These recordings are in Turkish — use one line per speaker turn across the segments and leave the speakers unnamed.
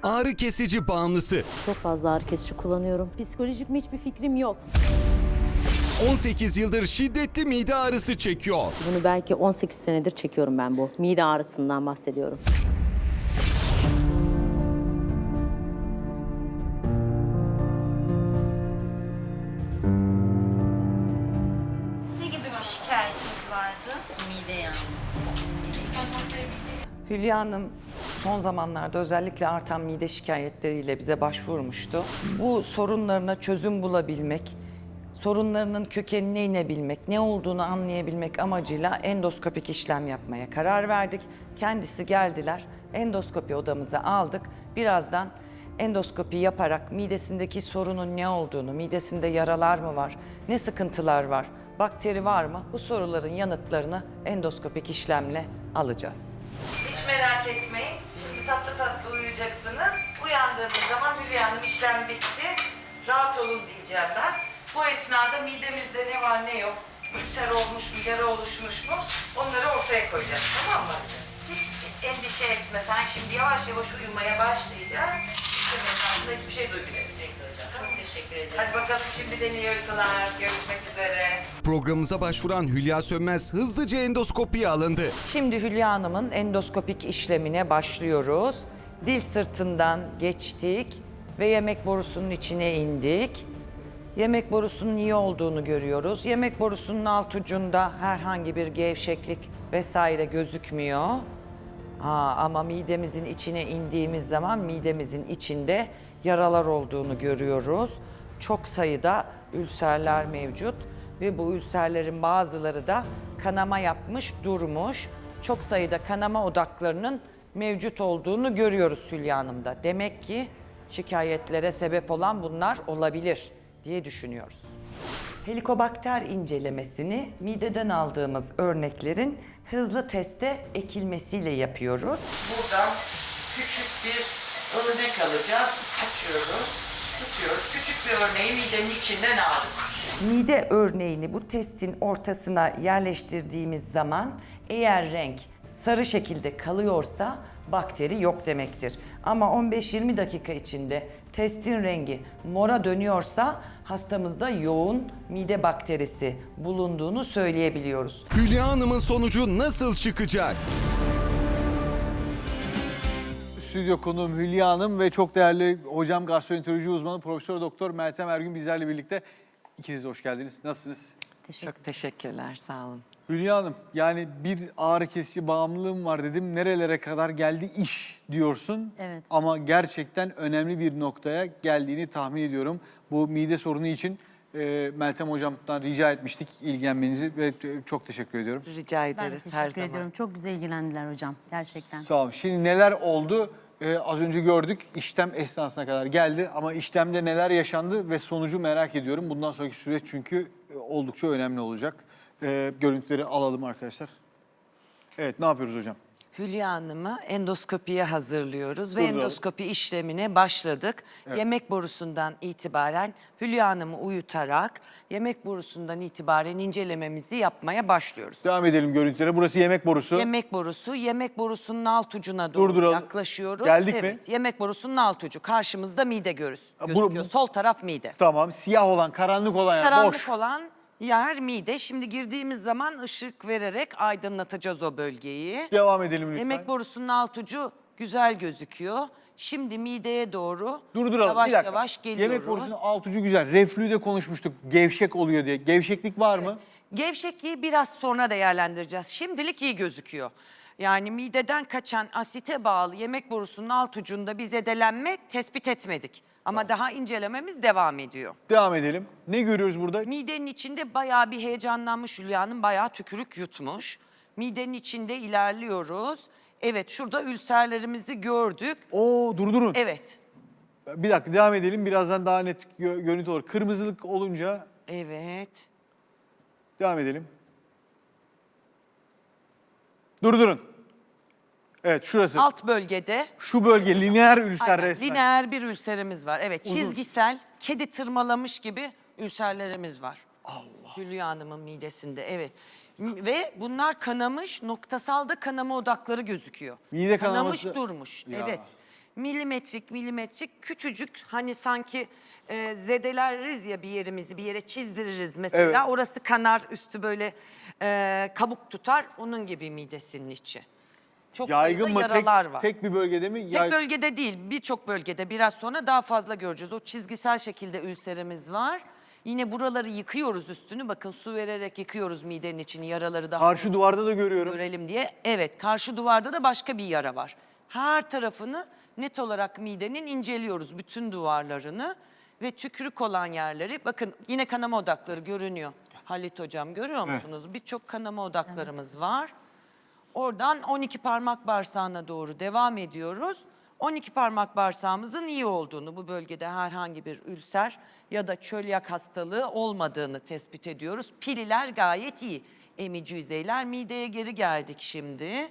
ağrı kesici bağımlısı.
Çok fazla ağrı kesici kullanıyorum. Psikolojik mi hiçbir fikrim yok.
18 yıldır şiddetli mide ağrısı çekiyor.
Bunu belki 18 senedir çekiyorum ben bu. Mide ağrısından bahsediyorum.
Ne gibi bir şikayetiniz vardı?
Mide yanması.
Hülya Hanım son zamanlarda özellikle artan mide şikayetleriyle bize başvurmuştu. Bu sorunlarına çözüm bulabilmek, sorunlarının kökenine inebilmek, ne olduğunu anlayabilmek amacıyla endoskopik işlem yapmaya karar verdik. Kendisi geldiler, endoskopi odamıza aldık. Birazdan endoskopi yaparak midesindeki sorunun ne olduğunu, midesinde yaralar mı var, ne sıkıntılar var, bakteri var mı? Bu soruların yanıtlarını endoskopik işlemle alacağız. Hiç merak etmeyin. Şimdi tatlı tatlı uyuyacaksınız. Uyandığınız zaman Hülya Hanım işlem bitti. Rahat olun diyeceğim ben. Bu esnada midemizde ne var ne yok, ülser olmuş mu, yara oluşmuş mu onları ortaya koyacağız, tamam mı? Hiç endişe etme, sen şimdi yavaş yavaş uyumaya başlayacaksın. İşlem esnasında hiçbir şey duymayacaksın.
Çok teşekkür ederim.
Hadi bakalım şimdiden iyi uykular. Görüşmek üzere.
Programımıza başvuran Hülya Sönmez hızlıca endoskopiye alındı.
Şimdi Hülya Hanım'ın endoskopik işlemine başlıyoruz. Dil sırtından geçtik ve yemek borusunun içine indik. Yemek borusunun iyi olduğunu görüyoruz. Yemek borusunun alt ucunda herhangi bir gevşeklik vesaire gözükmüyor. Ama midemizin içine indiğimiz zaman midemizin içinde yaralar olduğunu görüyoruz. Çok sayıda ülserler mevcut ve bu ülserlerin bazıları da kanama yapmış, durmuş. Çok sayıda kanama odaklarının mevcut olduğunu görüyoruz Hülya Hanım'da. Demek ki şikayetlere sebep olan bunlar olabilir diye düşünüyoruz. Helikobakter incelemesini mideden aldığımız örneklerin hızlı teste ekilmesiyle yapıyoruz. Buradan küçük bir örnek alacağız. Açıyoruz, tutuyoruz. Küçük bir örneği midenin içinden aldık. Mide örneğini bu testin ortasına yerleştirdiğimiz zaman eğer renk sarı şekilde kalıyorsa bakteri yok demektir. Ama 15-20 dakika içinde testin rengi mora dönüyorsa hastamızda yoğun mide bakterisi bulunduğunu söyleyebiliyoruz.
Hülya Hanım'ın sonucu nasıl çıkacak?
Stüdyo konuğum Hülya Hanım ve çok değerli hocam gastroenteroloji uzmanı Profesör Doktor Meltem Ergün bizlerle birlikte. İkiniz de hoş geldiniz. Nasılsınız?
Çok teşekkürler, sağ olun.
Hülya Hanım, yani bir ağrı kesici bağımlılığım var dedim. Nerelere kadar geldi iş diyorsun.
Evet.
Ama gerçekten önemli bir noktaya geldiğini tahmin ediyorum. Bu mide sorunu için Meltem hocamdan rica etmiştik ilgilenmenizi ve çok teşekkür ediyorum.
Rica
Ben
ederiz
teşekkür
her zaman.
ediyorum. Çok güzel ilgilendiler hocam. Gerçekten.
Sağ olun. Şimdi neler oldu? Az önce gördük, işlem esnasına kadar geldi ama işlemde neler yaşandı ve sonucu merak ediyorum. Bundan sonraki süreç çünkü oldukça önemli olacak. Görüntüleri alalım arkadaşlar. Evet, ne yapıyoruz hocam?
Hülya Hanım'ı endoskopiye hazırlıyoruz ve
Durduralım.
endoskopi işlemine başladık. Yemek borusundan itibaren Hülya Hanım'ı uyutarak yemek borusundan itibaren incelememizi yapmaya başlıyoruz.
Devam edelim görüntülere. Burası yemek borusu.
Yemek borusunun alt ucuna doğru
Durduralım.
yaklaşıyoruz.
Geldik mi?
Evet, yemek borusunun alt ucu. Karşımızda mide
bu-
gözüküyor. Sol taraf mide.
Tamam, siyah olan, karanlık olan yer
Karanlık
boş.
olan yer mide. Şimdi girdiğimiz zaman ışık vererek aydınlatacağız o bölgeyi.
Devam edelim lütfen.
Yemek borusunun alt ucu güzel gözüküyor. Şimdi mideye doğru
Durduralım.
yavaş
bir dakika.
yavaş geliyoruz.
Yemek borusunun alt ucu güzel. Reflüyü de konuşmuştuk. Gevşek oluyor diye. Gevşeklik var mı?
Gevşekliği biraz sonra değerlendireceğiz. Şimdilik iyi gözüküyor. Yani mideden kaçan asite bağlı yemek borusunun alt ucunda bir zedelenme tespit etmedik. Ama daha incelememiz devam ediyor.
Devam edelim. Ne görüyoruz burada?
Midenin içinde bayağı bir heyecanlanmış Hülya Hanım, bayağı tükürük yutmuş. Midenin içinde ilerliyoruz. Evet, şurada ülserlerimizi gördük.
Oo, durdurun.
Evet,
Bir dakika, devam edelim. Birazdan daha net görüntü olur. Kırmızılık olunca
evet.
devam edelim. Durdurun. Evet, şurası.
Alt bölgede
Şu bölge lineer ülser
aynen,
resmen.
lineer bir ülserimiz var. Evet,
Uzun.
çizgisel, kedi tırmalamış gibi ülserlerimiz var. Allah. Hülya Hanım'ın midesinde, evet. Ve bunlar kanamış, noktasal da kanama odakları gözüküyor.
Mide
Kanamış
kanaması-
durmuş,
Ya.
evet.
milimetrik küçücük hani sanki zedeleriz ya bir yerimizi bir yere çizdiririz mesela.
Evet.
Orası kanar üstü böyle kabuk tutar onun gibi midesinin içi. Çok
Yaygın
sayıda
mı?
yaralar var.
Tek bir bölgede mi?
Tek bölgede değil, birçok bölgede biraz sonra daha fazla göreceğiz. O çizgisel şekilde ülserimiz var. Yine buraları yıkıyoruz üstünü. Bakın su vererek yıkıyoruz midenin içini, yaraları daha
Karşı duvarda da görüyorum.
görelim diye. Evet, karşı duvarda da başka bir yara var. Her tarafını net olarak midenin inceliyoruz, bütün duvarlarını. Ve tükürük olan yerleri, bakın yine kanama odakları görünüyor. Halit Hocam görüyor musunuz? Birçok kanama odaklarımız var. Oradan 12 parmak bağırsağına doğru devam ediyoruz. 12 parmak bağırsağımızın iyi olduğunu, bu bölgede herhangi bir ülser ya da çölyak hastalığı olmadığını tespit ediyoruz. Pililer gayet iyi. Emici yüzeyler, mideye geri geldik şimdi.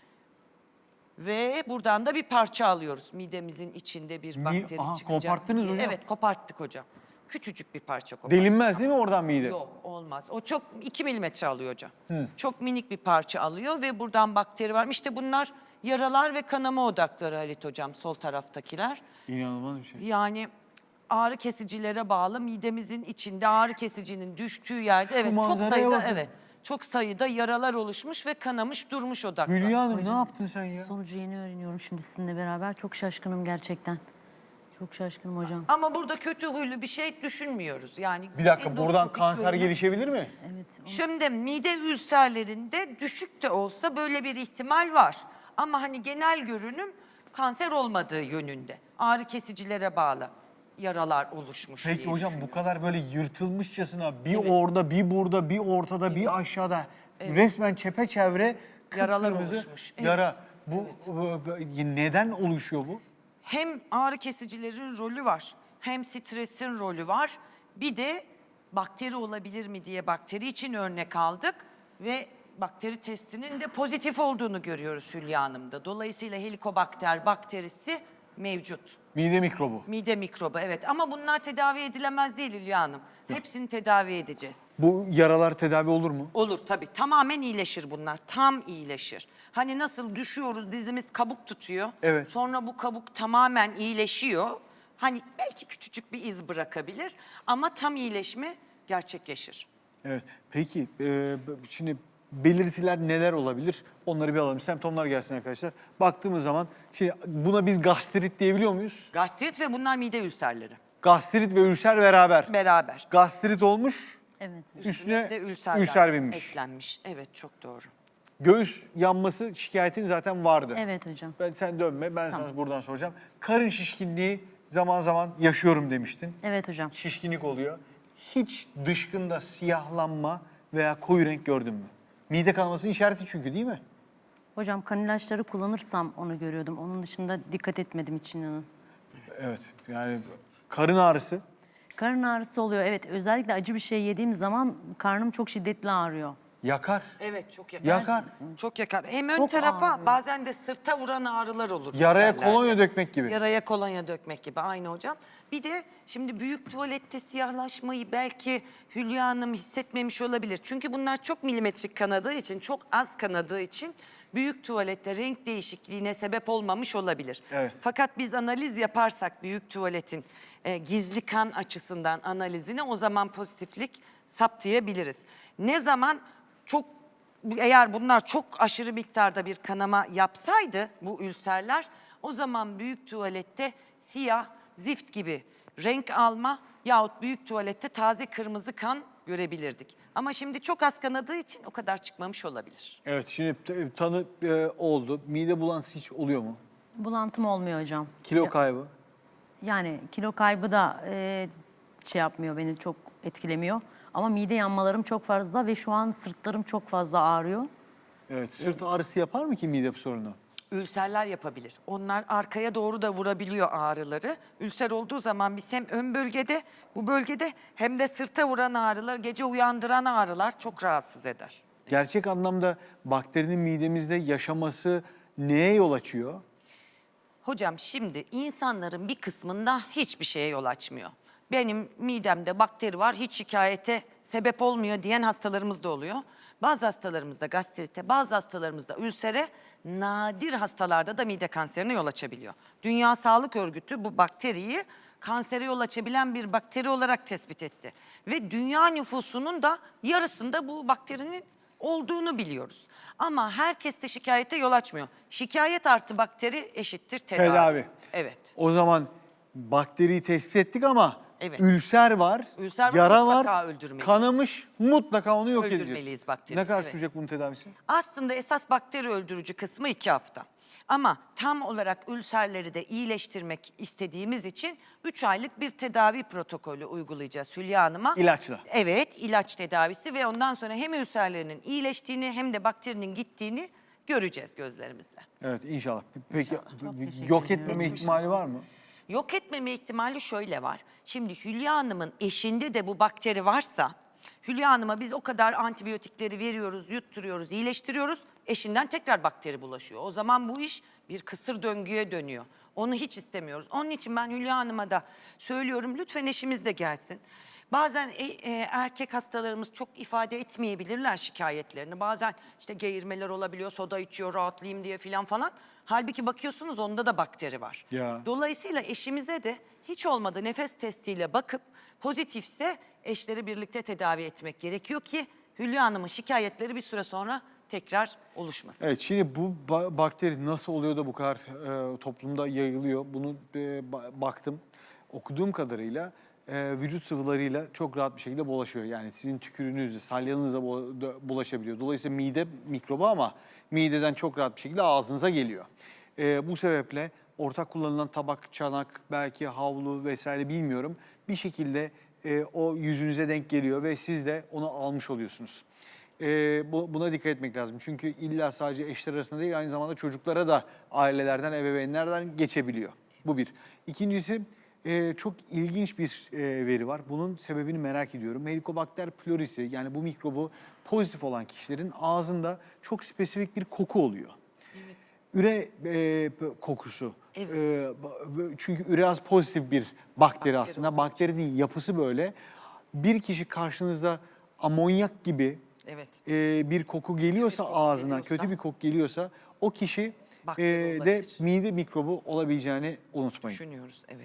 Ve buradan da bir parça alıyoruz. Midemizin içinde bir bakteri çıkacak.
Koparttınız hocam.
Evet, koparttık hocam. Küçücük bir parça koparttık.
Delinmez değil mi oradan mide?
Yok, olmaz. O çok 2 milimetre alıyor hocam. Çok minik bir parça alıyor ve buradan bakteri var. İşte bunlar yaralar ve kanama odakları Halit Hocam, sol taraftakiler.
İnanılmaz bir şey.
Yani ağrı kesicilere bağlı midemizin içinde ağrı kesicinin düştüğü yerde evet çok
manzaraya
sayıda
bakın.
çok sayıda yaralar oluşmuş ve kanamış durmuş odaklar.
Hülya Hanım ne yaptın sen ya?
Sonucu yeni öğreniyorum şimdi sizinle beraber. Çok şaşkınım gerçekten. Çok şaşkınım hocam.
Ama burada kötü huylu bir şey düşünmüyoruz. Yani
Bir dakika buradan
endoskopik
kanser
görünüm-
gelişebilir mi?
Evet.
Şimdi mide ülserlerinde düşük de olsa böyle bir ihtimal var. Ama hani genel görünüm kanser olmadığı yönünde. Ağrı kesicilere bağlı yaralar oluşmuş
Peki
diye
hocam bu
düşünüyorum.
kadar böyle yırtılmışçasına bir orada bir burada bir ortada bir aşağıda resmen çepeçevre
Yaralar
kıpkırmızı
oluşmuş. Evet.
yara. Bu neden oluşuyor bu?
Hem ağrı kesicilerin rolü var, hem stresin rolü var. Bir de bakteri olabilir mi diye bakteri için örnek aldık ve bakteri testinin de pozitif olduğunu görüyoruz Hülya Hanım'da. Dolayısıyla helikobakter bakterisi mevcut.
Mide mikrobu.
Mide mikrobu evet ama bunlar tedavi edilemez değil Hülya Hanım. Hepsini tedavi edeceğiz.
Bu yaralar tedavi olur mu?
Olur tabii. Tamamen iyileşir bunlar. Tam iyileşir. Hani nasıl düşüyoruz dizimiz kabuk tutuyor.
Evet.
Sonra bu kabuk tamamen iyileşiyor. Hani belki küçücük bir iz bırakabilir ama tam iyileşme gerçekleşir.
Evet. Peki şimdi belirtiler neler olabilir? Onları bir alalım. Semptomlar gelsin arkadaşlar. Baktığımız zaman şimdi buna biz gastrit diyebiliyor muyuz?
Gastrit ve bunlar mide ülserleri.
Gastrit ve ülser beraber.
Beraber.
Gastrit olmuş,
Evet.
üstüne
de ülserler
ülser binmiş.
eklenmiş. Evet çok doğru.
Göğüs yanması şikayetin zaten vardı.
Evet hocam.
Sen dönme, ben sana buradan soracağım. Karın şişkinliği zaman zaman yaşıyorum demiştin.
Evet hocam.
Şişkinlik oluyor. Hiç dışkında siyahlanma veya koyu renk gördün mü? Mide kanamasının işareti çünkü değil mi?
Hocam kan ilaçları kullanırsam onu görüyordum. Onun dışında dikkat etmedim için inanın.
Evet, yani karın ağrısı.
Karın ağrısı oluyor. Evet, özellikle acı bir şey yediğim zaman karnım çok şiddetli ağrıyor.
Yakar.
Evet çok yakar.
Yakar.
Çok yakar. Hem ön
Çok
tarafa
ağrıyor.
bazen de sırta vuran ağrılar olur.
Yaraya
ülserlerde.
kolonya dökmek gibi.
Yaraya kolonya dökmek gibi aynı hocam. Bir de şimdi büyük tuvalette siyahlaşmayı belki Hülya Hanım hissetmemiş olabilir. Çünkü bunlar çok milimetrik kanadığı için, çok az kanadığı için büyük tuvalette renk değişikliğine sebep olmamış olabilir.
Evet.
Fakat biz analiz yaparsak büyük tuvaletin gizli kan açısından analizini o zaman pozitiflik saptayabiliriz. Ne zaman çok eğer bunlar çok aşırı miktarda bir kanama yapsaydı bu ülserler o zaman büyük tuvalette siyah, zift gibi renk alma yahut büyük tuvalette taze kırmızı kan görebilirdik. Ama şimdi çok az kanadığı için o kadar çıkmamış olabilir.
Evet, şimdi tanı oldu. Mide bulantısı hiç oluyor mu?
Bulantım olmuyor hocam.
Kilo kaybı?
Yani kilo kaybı da şey yapmıyor, beni çok etkilemiyor. Ama mide yanmalarım çok fazla ve şu an sırtlarım çok fazla ağrıyor.
Evet, sırt ağrısı yapar mı ki mide sorunu?
Ülserler yapabilir. Onlar arkaya doğru da vurabiliyor ağrıları. Ülser olduğu zaman biz hem ön bölgede, bu bölgede hem de sırta vuran ağrılar, gece uyandıran ağrılar çok rahatsız eder.
Gerçek anlamda bakterinin midemizde yaşaması neye yol açıyor?
Hocam şimdi insanların bir kısmında hiçbir şeye yol açmıyor. Benim midemde bakteri var, hiç şikayete sebep olmuyor diyen hastalarımız da oluyor. Bazı hastalarımızda gastrite, bazı hastalarımızda ülsere nadir hastalarda da mide kanserine yol açabiliyor. Dünya Sağlık Örgütü bu bakteriyi kansere yol açabilen bir bakteri olarak tespit etti. Ve dünya nüfusunun da yarısında bu bakterinin olduğunu biliyoruz. Ama herkes de şikayete yol açmıyor. Şikayet artı bakteri eşittir tedavi.
Tedavi.
Evet.
O zaman bakteriyi tespit ettik ama
Evet.
ülser var,
Ülser var,
yara
mutlaka
var,
öldürmeliyiz.
kanamış, mutlaka onu yok
Öldürmeliyiz
edeceğiz.
bakteri,
Ne kadar
evet.
sürecek bunun tedavisi?
Aslında esas bakteri öldürücü kısmı 2 hafta. Ama tam olarak ülserleri de iyileştirmek istediğimiz için 3 aylık bir tedavi protokolü uygulayacağız Hülya Hanım'a.
İlaçla.
Evet, ilaç tedavisi ve ondan sonra hem ülserlerinin iyileştiğini hem de bakterinin gittiğini göreceğiz gözlerimizle.
Evet inşallah. Peki
teşekkür
yok
ediyorum.
etmeme ihtimali var mı?
Yok etmeme ihtimali şöyle var. Şimdi Hülya Hanım'ın eşinde de bu bakteri varsa Hülya Hanım'a biz o kadar antibiyotikleri veriyoruz, yutturuyoruz, iyileştiriyoruz. Eşinden tekrar bakteri bulaşıyor. O zaman bu iş bir kısır döngüye dönüyor. Onu hiç istemiyoruz. Onun için ben Hülya Hanım'a da söylüyorum lütfen eşimiz de gelsin. Bazen erkek hastalarımız çok ifade etmeyebilirler şikayetlerini. Bazen işte geğirmeler olabiliyor, soda içiyor rahatlayayım diye falan. Halbuki bakıyorsunuz onda da bakteri var.
Ya.
Dolayısıyla eşimize de hiç olmadı nefes testiyle bakıp pozitifse eşleri birlikte tedavi etmek gerekiyor ki Hülya Hanım'ın şikayetleri bir süre sonra tekrar oluşmasın.
Evet şimdi bu bakteri nasıl oluyor da bu kadar toplumda yayılıyor? Bunu baktım. Okuduğum kadarıyla vücut sıvılarıyla çok rahat bir şekilde bulaşıyor. Yani sizin tükürüğünüzle, salyanızla bulaşabiliyor. Dolayısıyla mide mikrobu ama mideden çok rahat bir şekilde ağzınıza geliyor. Bu sebeple ortak kullanılan tabak, çanak, belki havlu vesaire bilmiyorum. Bir şekilde o yüzünüze denk geliyor ve siz de onu almış oluyorsunuz. Buna dikkat etmek lazım. Çünkü illa sadece eşler arasında değil aynı zamanda çocuklara da ailelerden, ebeveynlerden geçebiliyor. Bu bir. İkincisi çok ilginç bir veri var. Bunun sebebini merak ediyorum. Helicobacter pylorisi yani bu mikrobu pozitif olan kişilerin ağzında çok spesifik bir koku oluyor. Üre kokusu.
Evet.
Çünkü üreaz pozitif bir bakteri aslında. Bakterinin yapısı böyle. Bir kişi karşınızda amonyak gibi
Evet.
bir koku geliyorsa
koku
ağzına,
geliyorsa-
kötü bir koku geliyorsa o kişi
Bakteri
de
olabilir.
mide mikrobu olabileceğini unutmayın.
Düşünüyoruz evet.